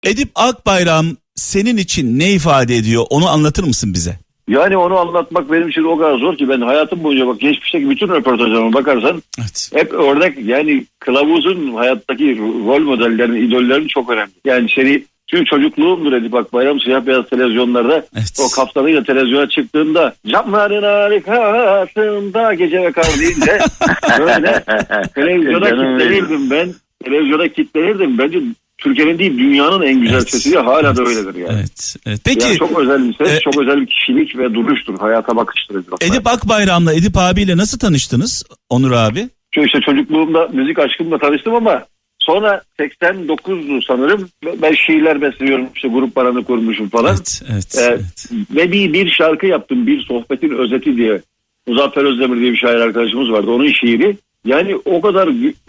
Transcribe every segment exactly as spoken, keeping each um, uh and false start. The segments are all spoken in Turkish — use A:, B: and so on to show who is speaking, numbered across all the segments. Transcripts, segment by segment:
A: Edip Akbayram senin için ne ifade ediyor? Onu anlatır mısın bize?
B: Yani onu anlatmak benim için o kadar zor ki ben hayatım boyunca bak geçmişteki bütün röportajlarıma bakarsan evet. hep örnek yani kılavuzun hayattaki rol modellerin, idollerin çok önemli. Yani seni tüm çocukluğumdur Edip Akbayram siyah beyaz televizyonlarda evet. o kaftanıyla televizyona çıktığında camların harikasında gece ve kar deyince böyle televizyona kitlenirdim ben. Televizyona kitlenirdim. Bence Türkiye'nin değil dünyanın en güzel evet. sesi hala evet. da öyledir yani.
A: Evet. evet. Peki
B: yani çok özel bir ses,
A: e,
B: çok özel bir kişilik ve duruştur. Hayata bakıştır.
A: Edip Akbayram'la Edip abiyle nasıl tanıştınız Onur abi?
B: İşte çocukluğumda müzik aşkımla tanıştım ama sonra seksen dokuzdu sanırım. Ben şiirler besliyorum işte grup paranı kurmuşum falan. Evet, evet, ee, evet. Ve bir, bir şarkı yaptım bir sohbetin özeti diye. Muzaffer Özdemir diye bir şair arkadaşımız vardı onun şiiri. Yani o kadar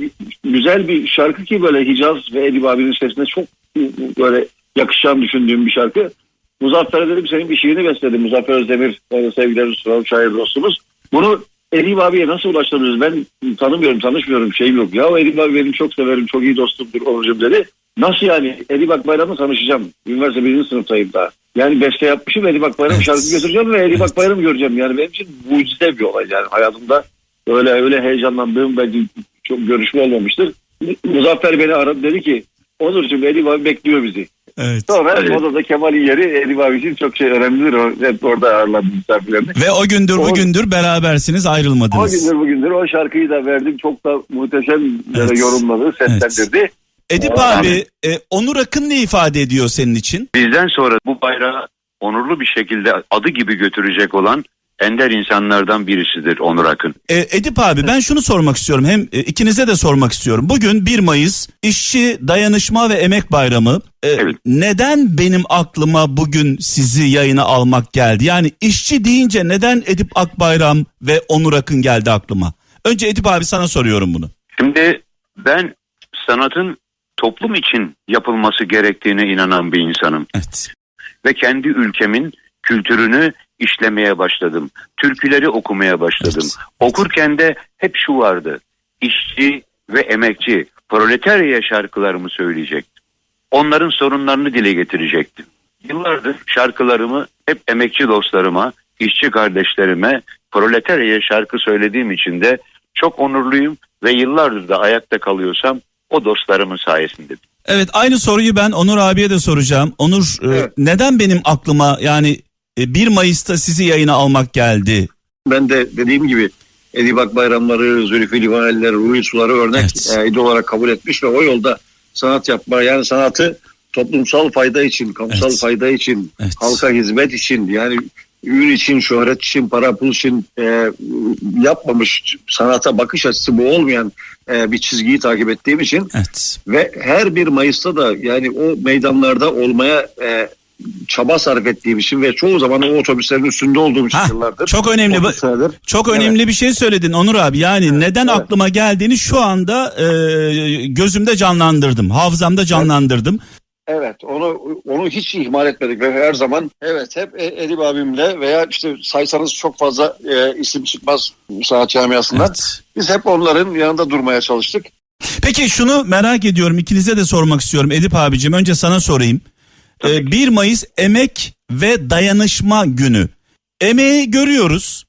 B: güzel bir şarkı ki böyle Hicaz ve Edip abinin sesine çok böyle yakışacağını düşündüğüm bir şarkı. Muzaffer'e dedim senin bir şiirini besledim. Muzaffer Özdemir sevgilerimiz sunalım şair dostumuz. Bunu Edip abiye nasıl ulaştırırız? Ben tanımıyorum, tanışmıyorum, şeyim yok. Ya Edip abi benim çok severim, çok iyi dostumdur Onurcuğum dedi. Nasıl yani? Edip Akbayram'la tanışacağım. Üniversite birinci sınıftayım daha. Yani beste yapmışım Edip Akbayram evet. şarkı götüreceğim ve Edip evet. Akbayram'ı göreceğim. Yani benim için mucize bir olay yani hayatımda. Öyle öyle heyecanlandığım belki çok görüşme olmamıştır. Muzaffer beni aradı dedi ki Onurcuğum Edip abi bekliyor bizi. Evet. Sonra evet. odada Kemal'in yeri Edip abi için çok şey önemlidir. O, hep orada ağırladım misafirlerini.
A: Ve o gündür o, bugündür berabersiniz ayrılmadınız.
B: O gündür bugündür o şarkıyı da verdim. Çok da muhteşem evet. yorumladı, seslendirdi. Evet.
A: Edip Aa, abi e, Onur Akın ne ifade ediyor senin için?
C: Bizden sonra bu bayrağı onurlu bir şekilde adı gibi götürecek olan ender insanlardan birisidir Onur Akın.
A: E, Edip abi ben şunu sormak istiyorum. Hem e, ikinize de sormak istiyorum. Bugün bir Mayıs İşçi Dayanışma ve Emek Bayramı. E, evet. Neden benim aklıma bugün sizi yayına almak geldi? Yani işçi deyince neden Edip Akbayram ve Onur Akın geldi aklıma? Önce Edip abi sana soruyorum bunu.
C: Şimdi ben sanatın toplum için yapılması gerektiğine inanan bir insanım. Evet. Ve kendi ülkemin kültürünü işlemeye başladım. Türküleri okumaya başladım. Evet. Okurken de hep şu vardı. İşçi ve emekçi, proletarya şarkılarımı söyleyecektim. Onların sorunlarını dile getirecektim. Yıllardır şarkılarımı hep emekçi dostlarıma, işçi kardeşlerime, proletarya şarkı söylediğim için de çok onurluyum ve yıllardır da ayakta kalıyorsam o dostlarımın sayesinde.
A: Evet, aynı soruyu ben Onur abiye de soracağım. Onur, evet. e, neden benim aklıma yani bir Mayıs'ta sizi yayına almak geldi?
B: Ben de dediğim gibi Edip Akbayramları, Zülfü Livaneliler, Ruhi Suları örnek evet. e, idol olarak kabul etmiş ve o yolda sanat yapma, yani sanatı toplumsal fayda için, kamusal evet. fayda için, evet. halka hizmet için, yani ün için, şöhret için, para pul için e, yapmamış, sanata bakış açısı bu olmayan e, bir çizgiyi takip ettiğim için evet. ve her bir Mayıs'ta da yani o meydanlarda olmaya e, çaba sarf ettiğim için ve çoğu zaman o otobüslerin üstünde olduğum için yıllardır.
A: Çok önemli çok önemli evet. bir şey söyledin Onur abi. Yani evet. neden evet. aklıma geldiğini şu anda e, gözümde canlandırdım. Hafızamda canlandırdım.
B: Evet, onu onu hiç ihmal etmedik ve her zaman evet hep Edip abimle veya işte saysanız çok fazla e, isim çıkmaz sanat camiasından. Evet. Biz hep onların yanında durmaya çalıştık.
A: Peki şunu merak ediyorum, ikinize de sormak istiyorum Edip abicim. Önce sana sorayım. Ee, bir Mayıs Emek ve Dayanışma Günü. Emeği görüyoruz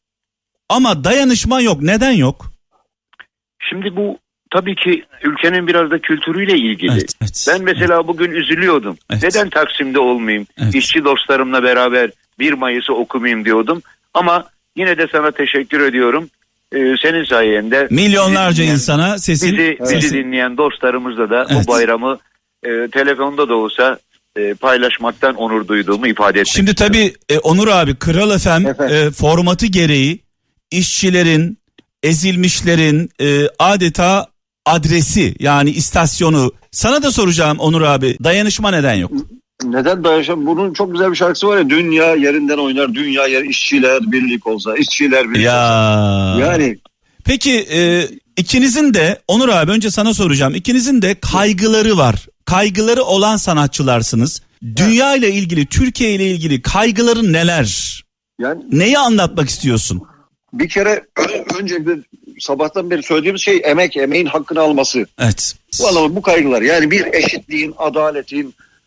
A: ama dayanışma yok. Neden yok?
C: Şimdi bu tabii ki ülkenin biraz da kültürüyle ilgili. Evet, evet, ben mesela evet. bugün üzülüyordum. Evet. Neden Taksim'de olmayayım? Evet. İşçi dostlarımla beraber bir Mayıs'ı okumayayım diyordum. Ama yine de sana teşekkür ediyorum. Ee, senin sayende
A: milyonlarca dinleyen, insana sesin,
C: bizi,
A: sesin.
C: bizi dinleyen dostlarımızla da evet. bu bayramı e, telefonda da olsa e, paylaşmaktan onur duyduğumu ifade etmek
A: Şimdi istiyorum. Tabii e, Onur abi, Kral F M e, formatı gereği işçilerin, ezilmişlerin e, adeta adresi, yani istasyonu. Sana da soracağım Onur abi, dayanışma neden yok?
B: Neden dayanışma? Bunun çok güzel bir şarkısı var ya, dünya yerinden oynar, dünya yer işçiler birlik olsa, işçiler birlik
A: ya.
B: olsa. Yani.
A: Peki e, ikinizin de Onur abi, önce sana soracağım. İkinizin de kaygıları var. Kaygıları olan sanatçılarsınız. Dünya ile ilgili, Türkiye ile ilgili kaygıların neler? Yani neyi anlatmak istiyorsun?
B: Bir kere öncelikle sabahtan beri söylediğimiz şey emek, emeğin hakkını alması.
A: Evet.
B: Bu anlamda bu kaygılar, yani bir eşitliğin, adaletin,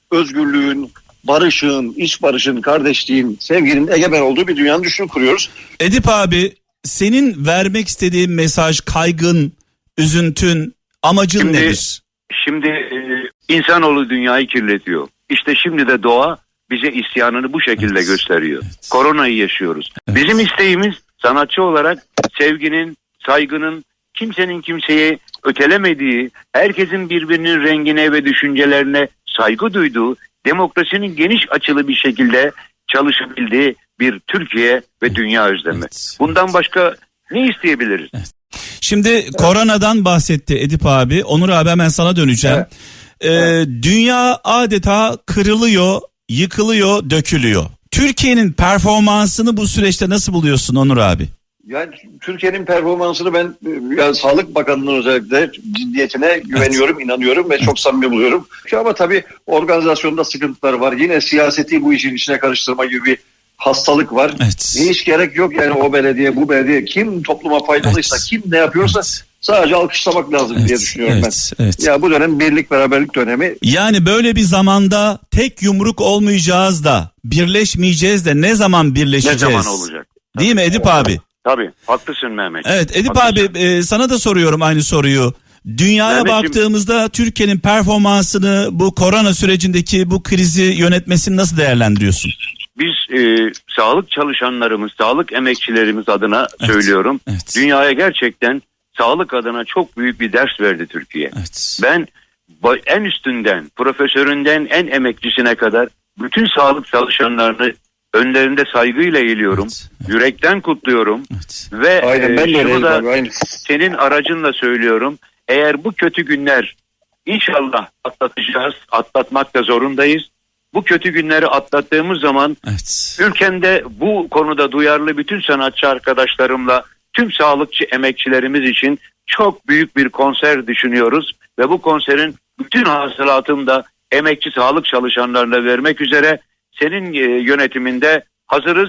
B: özgürlüğün, barışın, iç barışın, kardeşliğin, sevginin egemen olduğu bir dünyanın düşünü kuruyoruz.
A: Edip abi, senin vermek istediğin mesaj, kaygın, üzüntün, amacın
C: şimdi,
A: nedir?
C: Şimdi e, insanoğlu dünyayı kirletiyor. İşte şimdi de doğa bize isyanını bu şekilde evet. gösteriyor. Evet. Koronayı yaşıyoruz. Evet. Bizim isteğimiz sanatçı olarak sevginin, saygının, kimsenin kimseye ötelemediği, herkesin birbirinin rengine ve düşüncelerine saygı duyduğu, demokrasinin geniş açılı bir şekilde çalışabildiği bir Türkiye ve dünya özlemi. Evet. Bundan başka ne isteyebiliriz?
A: Evet. Şimdi evet. koronadan bahsetti Edip abi. Onur abi, hemen sana döneceğim. Evet. Ee, evet. Dünya adeta kırılıyor, yıkılıyor, dökülüyor. Türkiye'nin performansını bu süreçte nasıl buluyorsun Onur abi? Yani
B: Türkiye'nin performansını ben yani Sağlık Bakanlığı'nın özellikle ciddiyetine güveniyorum, evet. inanıyorum ve çok samimi buluyorum. Ama tabii organizasyonda sıkıntılar var. Yine siyaseti bu işin içine karıştırma gibi bir hastalık var. Evet. Hiç gerek yok yani o belediye, bu belediye. Kim topluma faydalıysa, evet. kim ne yapıyorsa evet. sadece alkışlamak lazım evet. diye düşünüyorum evet. ben. Evet. Ya bu dönem birlik beraberlik dönemi.
A: Yani böyle bir zamanda tek yumruk olmayacağız da, birleşmeyeceğiz de ne zaman birleşeceğiz?
C: Ne zaman olacak?
A: Değil mi Edip abi?
C: Tabii, haklısın Mehmet.
A: Evet Edip
C: haklısın.
A: abi, e, sana da soruyorum aynı soruyu. Dünyaya Mehmetciğim, baktığımızda Türkiye'nin performansını, bu korona sürecindeki bu krizi yönetmesini nasıl değerlendiriyorsun?
C: Biz e, sağlık çalışanlarımız, sağlık emekçilerimiz adına evet, söylüyorum. Evet. Dünyaya gerçekten sağlık adına çok büyük bir ders verdi Türkiye. Evet. Ben en üstünden, profesöründen en emekçisine kadar bütün sağlık çalışanlarını önlerinde saygıyla eğiliyorum. Evet, evet. Yürekten kutluyorum. Evet. Ve aynen, ben e, şunu da abi, senin aracınla söylüyorum. Eğer bu kötü günler inşallah atlatacağız, atlatmak da zorundayız. Bu kötü günleri atlattığımız zaman evet. ülkemde bu konuda duyarlı bütün sanatçı arkadaşlarımla tüm sağlıkçı emekçilerimiz için çok büyük bir konser düşünüyoruz. Ve bu konserin bütün hasılatını da emekçi sağlık çalışanlarına vermek üzere senin yönetiminde hazırız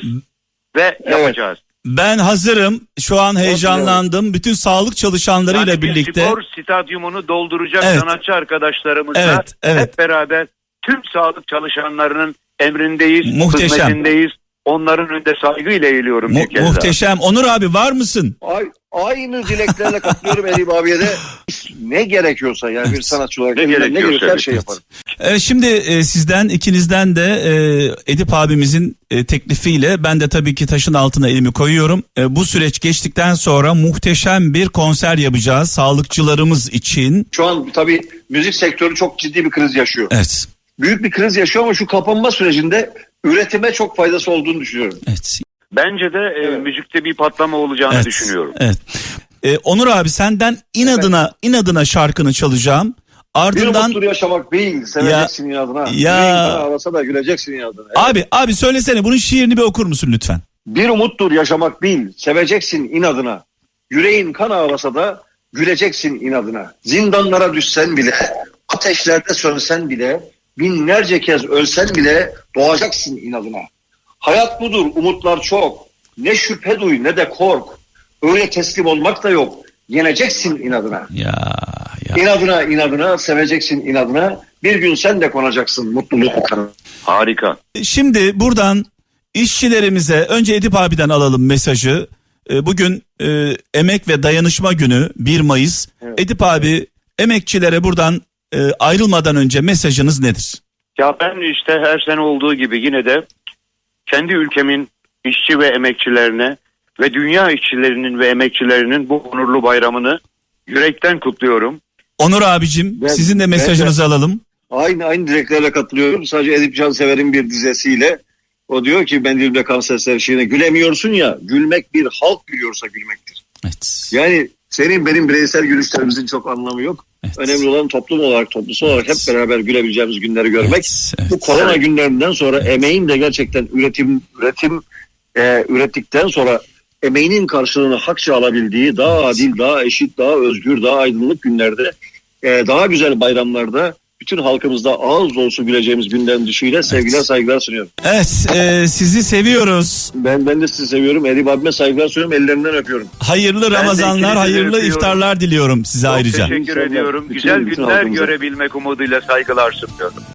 C: ve evet. yapacağız.
A: Ben hazırım. Şu an heyecanlandım. Bütün sağlık çalışanlarıyla
C: yani
A: birlikte.
C: Spor stadyumunu dolduracak evet. sanatçı arkadaşlarımızla
A: evet, evet.
C: hep beraber tüm sağlık çalışanlarının emrindeyiz,
A: muhteşem.
C: hizmetindeyiz. Onların önünde saygıyla eğiliyorum.
A: Mu- muhteşem. Onur abi var mısın?
B: Ay, aynı dileklerle katılıyorum Edip abiye de. Ne gerekiyorsa yani bir sanatçı olarak ne gerekiyorsa, ne gerekiyorsa her şey yaparım.
A: Evet, şimdi e, sizden ikinizden de e, Edip abimizin e, teklifiyle ben de tabii ki taşın altına elimi koyuyorum. E, bu süreç geçtikten sonra muhteşem bir konser yapacağız sağlıkçılarımız için.
B: Şu an tabii müzik sektörü çok ciddi bir kriz yaşıyor.
A: Evet.
B: Büyük bir kriz yaşıyor ama şu kapanma sürecinde üretime çok faydası olduğunu düşünüyorum.
A: Evet.
C: Bence de e, evet. müzikte bir patlama olacağını
A: evet.
C: düşünüyorum.
A: Evet. Ee, Onur abi, senden inadına evet. inadına şarkını çalacağım. Ardından
B: bir umuttur yaşamak değil, seveceksin ya, inadına. Ya ağlasa da güleceksin inadına. Evet.
A: Abi abi söylesene, bunun şiirini bir okur musun lütfen?
B: Bir umuttur yaşamak değil, seveceksin inadına. Yüreğin kan ağlasa da güleceksin inadına. Zindanlara düşsen bile, ateşlerde sönsen bile, binlerce kez ölsen bile doğacaksın inadına. Hayat budur, umutlar çok. Ne şüphe duy ne de kork. Öyle teslim olmak da yok. Yeneceksin inadına.
A: Ya, ya.
B: İnadına inadına seveceksin inadına. Bir gün sen de konacaksın mutluluk kanına.
C: Harika.
A: Şimdi buradan işçilerimize, önce Edip abiden alalım mesajı. Bugün e, Emek ve Dayanışma Günü bir Mayıs. Evet. Edip abi, emekçilere buradan e, ayrılmadan önce mesajınız nedir?
C: Ya ben işte her sene olduğu gibi yine de kendi ülkemin işçi ve emekçilerine ve dünya işçilerinin ve emekçilerinin bu onurlu bayramını yürekten kutluyorum.
A: Onur abicim, ben, sizin de mesajınızı ben, alalım.
B: Aynı aynı dileklerle katılıyorum. Sadece Edip Cansever'in bir dizesiyle. O diyor ki ben dilimde kanser serşiğine gülemiyorsun ya, gülmek bir halk gülüyorsa gülmektir. Evet. Yani senin benim bireysel gülüşlerimizin çok anlamı yok. Evet. Önemli olan toplum olarak, toplumsal olarak evet. hep beraber gülebileceğimiz günleri görmek. Evet. Evet. Bu korona evet. günlerinden sonra evet. emeğin de gerçekten üretim üretim e, ürettikten sonra emeğinin karşılığını hakça alabildiği daha evet. adil, daha eşit, daha özgür, daha aydınlık günlerde, e, daha güzel bayramlarda bütün halkımızda ağız dolusu güleceğimiz günden düşüyle sevgiler, evet. saygılar sunuyorum.
A: Evet, e, sizi seviyoruz.
B: Ben ben de sizi seviyorum. Edip abime saygılar sunuyorum, ellerinden öpüyorum.
A: Hayırlı ben Ramazanlar, hayırlı iftarlar diliyorum size
C: Çok
A: ayrıca.
C: Çok teşekkür ediyorum. Güzel günler görebilmek umuduyla saygılar sunuyorum.